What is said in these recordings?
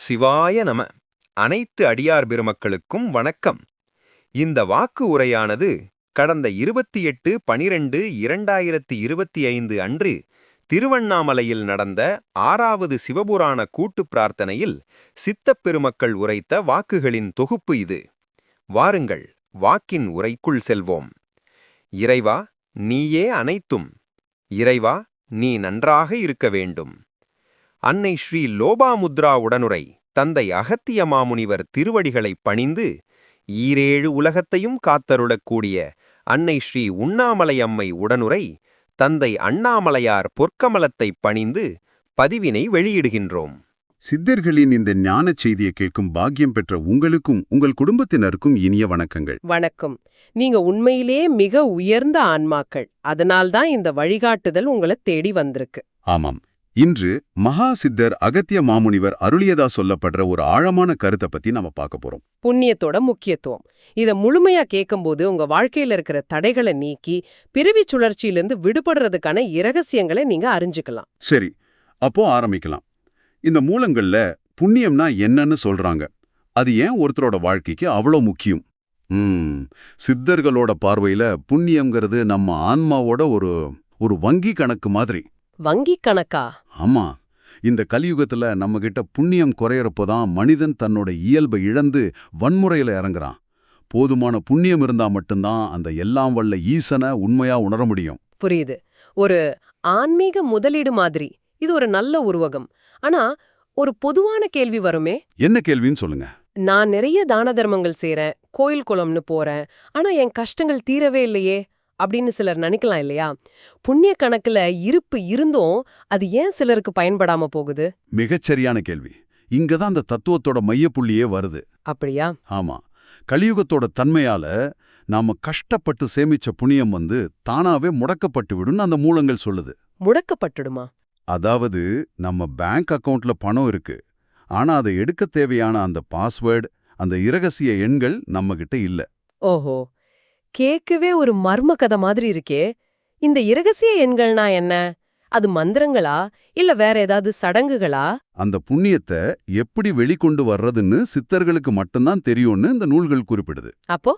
சிவாய நம. அனைத்து அடியார் பெருமக்களுக்கும் வணக்கம். இந்த வாக்கு உரையானது கடந்த 28/12/2025 அன்று திருவண்ணாமலையில் நடந்த 6வது சிவபுராண கூட்டுப் பிரார்த்தனையில் சித்தப் பெருமக்கள் உரைத்த வாக்குகளின் தொகுப்பு இது. வாருங்கள், வாக்கின் உரைக்குள் செல்வோம். இறைவா, நீயே அனைத்தும். இறைவா, நீ நன்றாக இருக்க வேண்டும். அன்னை ஸ்ரீ லோபாமுத்ரா உடனுரை தந்தை அகத்திய மாமுனிவர் திருவடிகளைப் பணிந்து ஈரேழு உலகத்தையும் காத்தருளக்கூடிய அன்னை ஸ்ரீ உண்ணாமலை அம்மை உடனுரை தந்தை அண்ணாமலையார் பொற்கமலத்தைப் பணிந்து பதிவினை வெளியிடுகின்றோம். சித்தர்களின் இந்த ஞானச் செய்தியை கேட்கும் பாக்கியம் பெற்ற உங்களுக்கும் உங்கள் குடும்பத்தினருக்கும் இனிய வணக்கங்கள். வணக்கம். நீங்க உண்மையிலே மிக உயர்ந்த ஆன்மாக்கள். அதனால்தான் இந்த வழிகாட்டுதல் உங்களை தேடி வந்திருக்கு. ஆமாம். இன்று மகா சித்தர் அகத்திய மாமுனிவர் அருளியதா சொல்லப்படுற ஒரு ஆழமான கருத்தை பத்தி நாம பார்க்க போறோம். புண்ணியத்தோட முக்கியத்துவம். இத முழுமையா கேட்கும்போது உங்க வாழ்க்கையில இருக்கிற தடைகளை நீக்கி பிறவி சுழற்சியிலிருந்து விடுபடுறதுக்கான இரகசியங்களை நீங்க அறிஞ்சுக்கலாம். சரி, அப்போ ஆரம்பிக்கலாம். இந்த மூலங்கள்ல புண்ணியம்னா என்னன்னு சொல்றாங்க. அது ஏன் ஒருத்தரோட வாழ்க்கைக்கு அவ்வளோ முக்கியம்? சித்தர்களோட பார்வையில புண்ணியம்ங்கிறது நம்ம ஆன்மாவோட ஒரு வங்கி கணக்கு மாதிரி. வங்கி கணக்கா? ஆமா. இந்த கலியுகத்துல நம்ம கிட்ட புண்ணியம் குறையறப்போதான் மனிதன் தன்னோட இயல்பை இழந்து வன்முறையில இறங்குறான். போதுமான புண்ணியம் இருந்தா மட்டும்தான் அந்த எல்லாம் வல்ல ஈசனை உண்மையா உணர முடியும். புரியுது. ஒரு ஆன்மீக முதலீடு மாதிரி இது ஒரு நல்ல உருவகம். ஆனா ஒரு பொதுவான கேள்வி வருமே. என்ன கேள்வின்னு சொல்லுங்க. நான் நிறைய தான தர்மங்கள் செய்றேன், கோயில் குளம்னு போறேன், ஆனா என் கஷ்டங்கள் தீரவே இல்லையே அப்படின்னு சிலர் நினைக்கலாம் இல்லையா? புண்ணிய கணக்குல இருப்பு இருந்தும் அது ஏன் சிலருக்கு பயன்படாம போகுது? மிகச்சரியான கேள்வி. இங்கதான் அந்த தத்துவத்தோட மையப்புள்ளியே வருது. அப்படியா? ஆமா. கலியுகத்தோட தன்மையால நாம கஷ்டப்பட்டு சேமிச்ச புண்ணியம் தானாவே முடக்கப்பட்டு விடுன்னு அந்த மூலங்கள் சொல்லுது. முடக்கப்பட்டுடுமா? அதாவது நம்ம பேங்க் அக்கவுண்ட்ல பணம் இருக்கு, ஆனா அதை எடுக்க தேவையான அந்த பாஸ்வேர்டு, அந்த இரகசிய எண்கள் நம்ம கிட்ட இல்ல. ஓஹோ, கேட்கவே ஒரு மர்ம கதை மாதிரி இருக்கே. இந்த இரகசிய எண்கள்னா என்ன? அது மந்திரங்களா இல்ல வேற ஏதாவது சடங்குகளா? அந்த புண்ணியத்தை எப்படி வெளிக்கொண்டு வர்றதுன்னு சித்தர்களுக்கு மட்டும்தான் தெரியும்னு இந்த நூல்கள் குறிப்பிடுது. அப்போ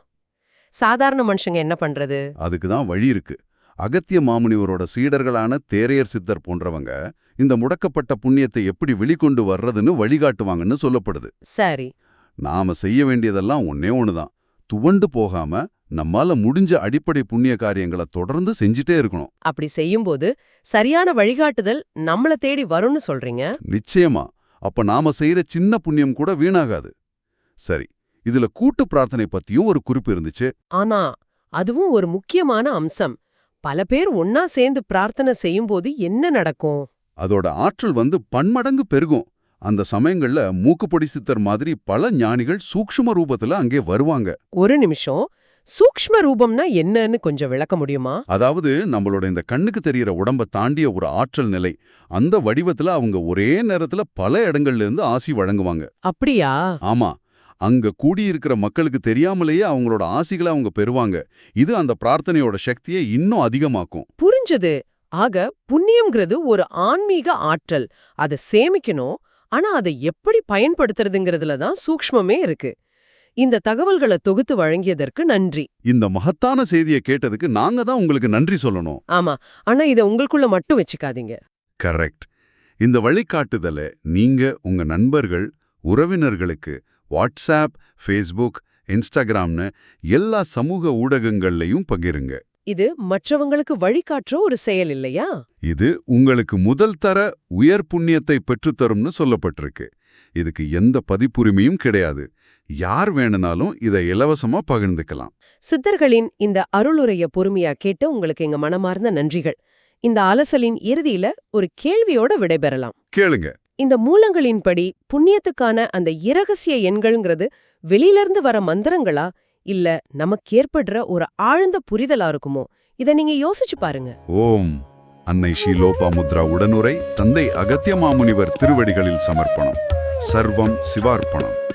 சாதாரண மனுஷங்க என்ன பண்றது? அதுக்குதான் வழி இருக்கு. அகத்திய மாமுனிவரோட சீடர்களான தேரையர் சித்தர் போன்றவங்க இந்த முடக்கப்பட்ட புண்ணியத்தை எப்படி வெளிக்கொண்டு வர்றதுன்னு வழிகாட்டுவாங்கன்னு சொல்லப்படுது. சரி. நாம செய்ய வேண்டியதெல்லாம் ஒன்னே ஒண்ணுதான். துவண்டு போகாம நம்மால முடிஞ்ச அடிப்படை புண்ணிய காரியங்களை தொடர்ந்து செஞ்சுட்டே இருக்கணும். அப்படி செய்யும்போது சரியான வழிகாட்டுதல் நம்மள தேடி வரும்னு சொல்றீங்க? நிச்சயமா. அப்ப நாம செய்யற சின்ன புண்ணியம் கூட வீணாகாது. சரி, இதுல கூட்டு பிரார்த்தனை பத்தியும் ஒரு குறிப்பு இருந்துச்சு. ஆனா அதுவும் ஒரு முக்கியமான அம்சம். பல பேர் ஒன்னா சேர்ந்து பிரார்த்தனை செய்யும்போது என்ன நடக்கும்? அதோட ஆற்றல் பன்மடங்கு பெருகும். அந்த சமயங்கள்ல மூக்குப்பொடி சித்தர் மாதிரி பல ஞானிகள் சூக்ஷ்ம ரூபத்துல அங்கே வருவாங்க. ஒரு நிமிஷம், சூக்ஷ்ம ரூபம்னா என்னன்னு கொஞ்சம் விளக்க முடியுமா? அதாவது நம்மளோட இந்த கண்ணுக்கு தெரியற உடம்ப தாண்டிய ஒரு ஆற்றல் நிலை. அந்த வடிவத்துல அவங்க ஒரே நேரத்துல பல இடங்கள்ல இருந்து ஆசி வழங்குவாங்க. அப்படியா? ஆமா. அங்க கூடியிருக்கிற மக்களுக்கு தெரியாமலேயே அவங்களோட ஆசிகளை அவங்க பெறுவாங்க. இது அந்த பிரார்த்தனையோட சக்தியை இன்னும் அதிகமாக்கும். புரிஞ்சது. ஆக புண்ணியம்ங்கிறது ஒரு ஆன்மீக ஆற்றல். அதை சேமிக்கணும். ஆனா அதை எப்படி பயன்படுத்துறதுங்கிறதுல தான் சூக்ஷ்மமே இருக்கு. இந்த தகவல்களை தொகுத்து வழங்கியதற்கு நன்றி. இந்த மகத்தான செய்தியை கேட்டதுக்கு நாங்க தான் உங்களுக்கு நன்றி சொல்லணும். ஆமா, ஆனா இதை உங்களுக்குள்ள மட்டும் வச்சுக்காதீங்க. கரெக்ட். இந்த வழிகாட்டுதலை நீங்க உங்க நண்பர்கள், உறவினர்களுக்கு வாட்ஸ்ஆப், ஃபேஸ்புக், இன்ஸ்டாகிராம்னு எல்லா சமூக ஊடகங்கள்லையும் பகிருங்க. இது மற்றவங்களுக்கு வழிகாட்டுற ஒரு செயல் இல்லையா? இது உங்களுக்கு முதல் தர உயர் புண்ணியத்தை பெற்றுத்தரும்னு சொல்லப்பட்டிருக்கு. இதுக்கு எந்த பதிப்புரிமையும் கிடையாது. யார் வேணுனாலும் இதை இலவசமா பகிர்ந்துக்கலாம். சித்தர்களின் இந்த அருளுரைய பொறுமையா கேட்டு உங்களுக்கு எங்க மனமார்ந்த நன்றிகள். இந்த அலசலின் இறுதியில ஒரு கேள்வியோட விடைபெறலாம். கேளுங்க. இந்த மூலங்களின்படி புண்ணியத்துக்கான அந்த இரகசிய எண்கள்ங்கிறது வெளியிலிருந்து வர மந்திரங்களா இல்ல நமக்கு ஏற்படுற ஒரு ஆழ்ந்த புரிதலா இருக்குமோ? இத நீங்க யோசிச்சு பாருங்க. ஓம் அன்னை ஸ்ரீ லோபாமுத்ரா உடனுரை தந்தை அகத்திய மாமுனிவர் திருவடிகளில் சமர்ப்பணம். சர்வம் சிவார்ப்பணம்.